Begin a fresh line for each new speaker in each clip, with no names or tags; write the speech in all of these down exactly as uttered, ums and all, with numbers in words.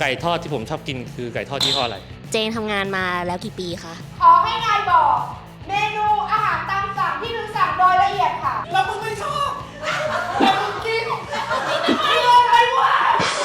ก่ทอดที่ผมชอบกินคือไก่ทอดยี่ห้ออะไร
เจนทำงานมาแล้วกี่ปีคะ
ขอให้นายบอกเมนูอาหารตามสั่งที่มึงสั่งโดยละเอียดค่ะแล้วมึงไม่ชอบแต่มึงกินกินอะไรวะ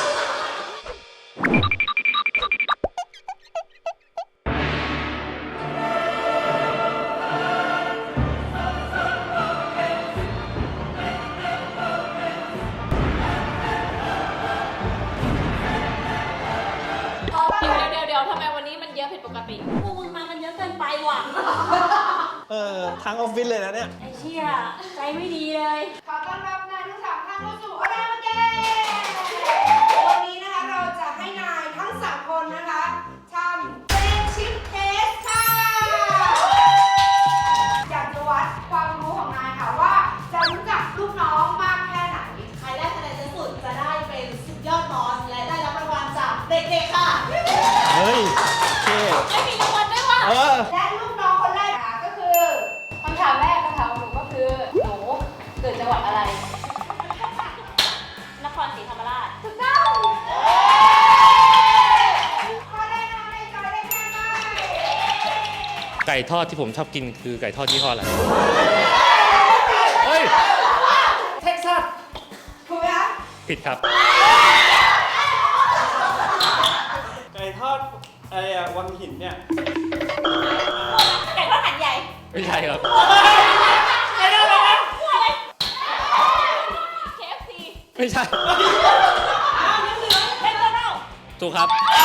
เดี๋ยวเดี๋ยวทำไมวันนี้มันเยอะผิดปกติพวกมึงมากันเยอะเกินไปว่ะ
เออทั้งออฟฟิศเลยนะเนี่ย
ไอ้เชี่ยใจไม่ดีเลย
ขอต้อนรับนายทั้งสามท่านเข้าสู่ออเดอร์เกมวันนี้นะคะเราจะให้นายทั้งสามคนนะคะทำเฟรนชิพเทสค่ะอยากจะวัดความรู้ของนายค่ะว่าจะรู้จักลูกน้องมากแค่ไหน
ใครได้คะแนนเยอะสุดจะได้เป็นสุดยอดบอสและได้รับรางวัลจากเด็กๆค่ะ
เฮ้ยโอเค
ไม่มีรางวัลด้วยว่ะ
เออ
และลูกน้องคนแรกค่ะก็คือ
คำถามแรกคำถามของหนูก็คือหนูเกิดจังหวัดอะไรนครศรีธรรมราช
ถูกต้องข้อแรกนะคะในจอยได้แค่ไหน
ไก่ทอดที่ผมชอบกินคือไก่ทอดยี่ห้ออะไรเฮ้ย
เท็กซัสถูกไหมคะ
ผิดครับ
ไก่ทอดอะไรอะวังหินเนี่ย
ไก่ทอดหันใหญ่
ไม่ใช่ครับ
ไก่ทอดอะไรนะพวกอะไร เค เอฟ ซี
ไม่ใช่
แมคโดนัลด์
ถูกครับ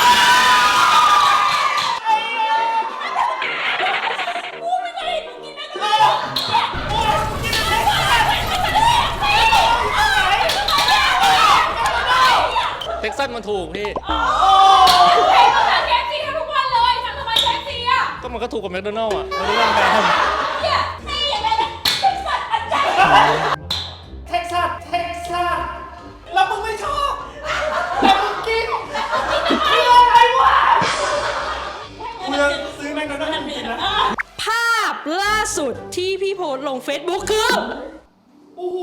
กูไม่เคยเห็นมึงกินแมคโดนัลด์เนี่ยกูกินแมคโดนัลด์
เท็กซัสมันถูกพี่
ไก่ทอดหัน เค เอฟ ซี ทุกวันเลยสั่งทำไม เค เอฟ ซี อ่ะ
ก็มันก็ถูกกว่าแมคโดนัลด์อ่ะแมคโดนัลด์แพง
เนี่ยนี่อย่างไรนะเท็กซัสอันใหญ่
เท็กซัสเท็กซัสแล้วมึงไม่ชอบแต่มึงกินกินอะไรวะ
เมืองซื้อแมคโดนัลด์กินนะ
ภาพล่าสุดที่พี่โพสต์ลง Facebook คือ
โอ้โห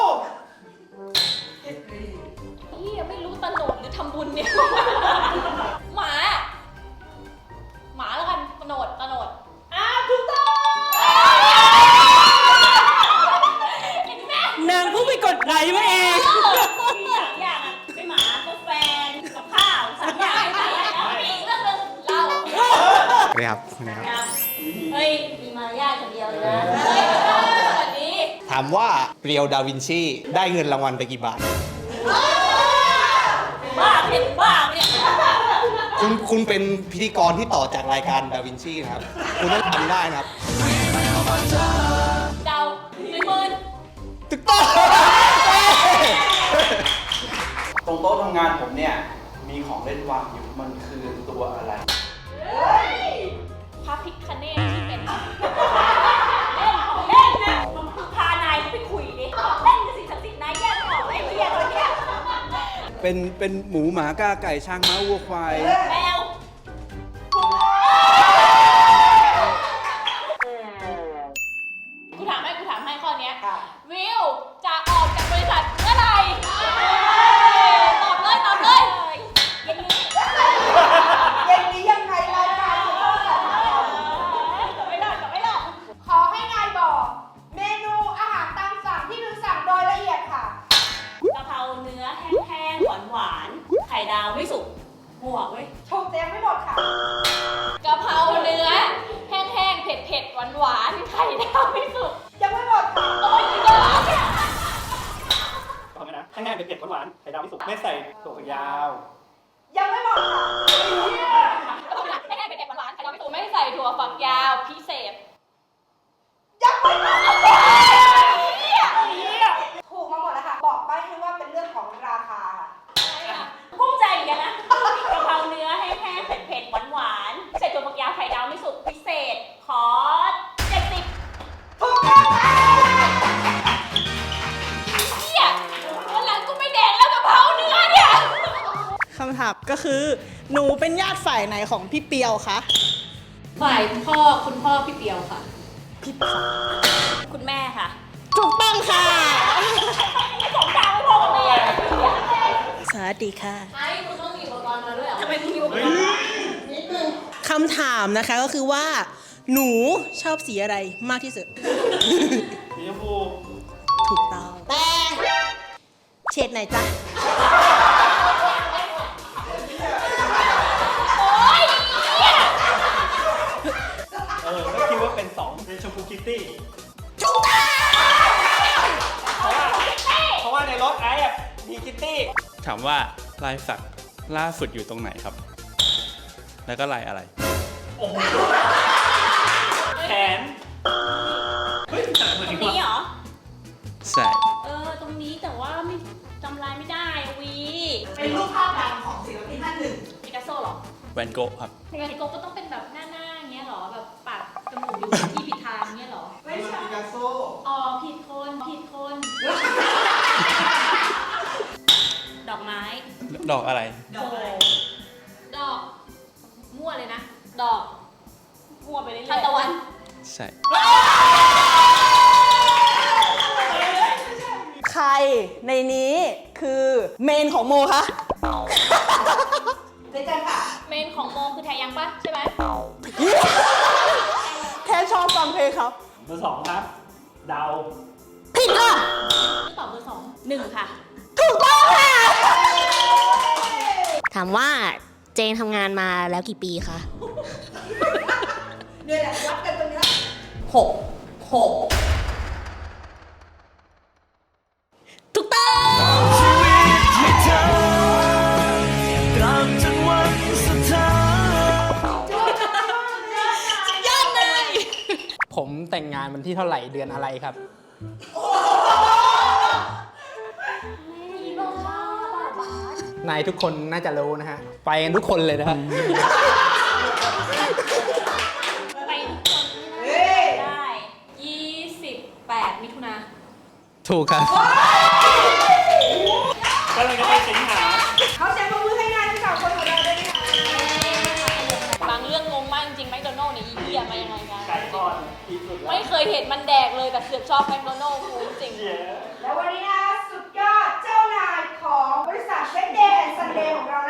พี่ยังไม่รู้ตโนดหรือทำบุญเนี่ยหมาหมาแล้วกันตโนดตโนด
อ่ะถูกต้อง
นางเพิ่งไปกดไลค์มาเอง
มีสามอย่างอ่ะไม่หมาก็แฟนกับข้าวสามอย่างไม่แล้วมีอีกเรื่องนึงเรา
สวัสดีครับสวัสดีครับ
เฮ้ยมีมารยาทคนเดียวเลยนะเฮ้ยสวัสดี
ถามว่าเรียวดาวินชีได้เงินรางวัลไปกี่บาท
บ้าเป็นบ้าเนี่ย
คุณคุณเป็นพิธีกรที่ต่อจากรายการดาวินชีนะครับคุณต้องทำได้นะครับ
เดาหนึ่งหมื่น
ถูกต้อง
ตรงโต๊ะทำงานผมเนี่ยมีของเล่นวางอยู่มันคือตัวอะไร
พระพิฆเนศที่เป็นเล่นเล่นนะพานายไปคุยดิเล่นกับสิ่งศักดิ์สิทธิ์นายแยกไม่ออกไอ้เหี้ยตัวเนี้ย
เป็นเป็นหมูหมากาไก่ช้างม้าวัวควาย
แมวกูถามให้กูถามให้ข้อนี้วิวจะออกจากบริษัทเมื่อไหร่ตอบเลยตอบเลยเย็นนี้
เย็นนี้ยังไงรายการจะต้องจัดทำ
ตอบไม่ได้ตอบไม่ได้
ขอให้นายบอกเมนูอาหารตามสั่งที่มึงสั่งโดยละเอียดค่ะ
กะเพราเนื้อแห้งๆหวานๆไข่ดาวไม่สุกหัวเว้ย
ถูกเต็มไม่หมดค่ะ
กะเพราเนื้อแห้งๆเผ็ดๆหวานๆไข่ดาวไม่สุก
ยังไม่หมดค่ะ
โอ้ยเยอะเนี่ย
ฟังไหมนะแห้งๆเผ็ดๆหวานๆไข่ดาวไม่สุกไม่ใส่ถั่วฝักยาว
ยังไม่หมดค่ะ
แห้งๆเผ็ดๆหวานๆไข่ดาวไม่สุกไม่ใส่ถั่วฝักยาวพิเศษ
ยังไม่หมดถูกมาหมดแล้วค่ะบอกไปให้ว่าเป็นเรื่องของราคาค่ะ
กุ้งใจเหมือนกันนะกะเพราเนื้อแห้งๆเผ็ดๆหวานๆใส่ถั่วฝักยาวไข่ดาวไม่สุกพิเศษขอเจ็ดสิบ
ถูกต้องค่ะ
เฮียวันหลังกูไม่แดกแล้วกะเพราเนื้อเนี่ย
คำถามก็คือหนูเป็นญาติฝ่ายไหนของพี่เปียวคะ
ฝ่ายพ่อคุณพ่อพี่เปียวค่ะพี่คุณแม่ค่ะ
ถูกต้องค่ะ
สองทางไม่พอกับแม่
สวัสดีค่ะ
ไอ้คุณต้องมีอุปกรณ์มาด้วยเหรอทำไมมึงมีอุปกรณ์วะ
คำถามนะคะก็คือว่า หนูชอบสีอะไรมากที่สุด
สีชมพู
ถูกต้องแต่เฉดไหนจ๊ะ
เออก็คิดว่าเป็นสองเป็นชมพูคิตตี้
ถูกต้อง
เพราะว่าเพราะว่าในรถไอ้อะมีคิตตี้
ถามว่าลายสักล่าสุดอยู่ตรงไหนครับ แล้วก็ลายอะไร
แขน เฮ้ยจับมือ
ตร
ดี
ง
กว่า
นี้เหรอ
ใช่
เออ ตรงนี้แต่ว่าไม่จำลายไม่ได้อะวี
เป็นรูปภาพดังของศิลปินท่านหนึ่ง
ปิกัสโซเหรอ
แวนโกะครับ
แวนโกะก็ต้องเป็นแบบหน้าหน้าอย่างเงี้ยเหรอ แบบปากจมูกอยู่ที่ผิดทางเงี้ยเหรอ
ไม่ใช่
ปิกัสโซ
อ๋อ ผิดคน ผิดคน ดอกไม้
ดอกอะไร
โอ้ดอก มั่วเลยนะ ดอก มั่วไปเรื่อยๆทานตะวัน
ใช่
ใครในนี้คือเมนของโมคะ
เดี๋ยวจะค่ะ
เมนของโมคือแทยังปะใช่ไหม
แค่ชอบฟังเพลงครับ
เบอร์สองครับ เดา
ผิดค่ะ
ตอบเบอร์สองหนึ่งค่ะ
ถูกต้องค่ะ
ถามว่าเจนทำงานมาแล้วกี่ปีคะ
เนี่ยแหละวัดกันตรงนี้
หก หก ถูกต้อง
ผมแต่งงานวันที่เท่าไหร่เดือนอะไรครับ นายทุกคนน่าจะรู้นะฮะ ไปกันทุกคนเลยนะฮะ
ไปทุกคนไม่น่าจะได้ยี่สิบแปดมิถุนา
ถูกครับ
ก็เลยจะไปสิงหา
เขาแจกมือให้นายทั้งสามคนของเราด้วยนะคะ
บางเรื่องงงมากจริงๆแมคโดนัลล์เนี่ยอีเหี้ยมายังไงกัน
ไก่ทอดที่สุดแล้ว
ไม่เคยเห็นมันแดกเลยแต่เสือกชอบแมคโดนัลล์กูจริง
แล้ววันนี้นะคะสุดยอดเจ้านายของบริษัทเวดเดย์แอนด์ซันเดย์ของเรา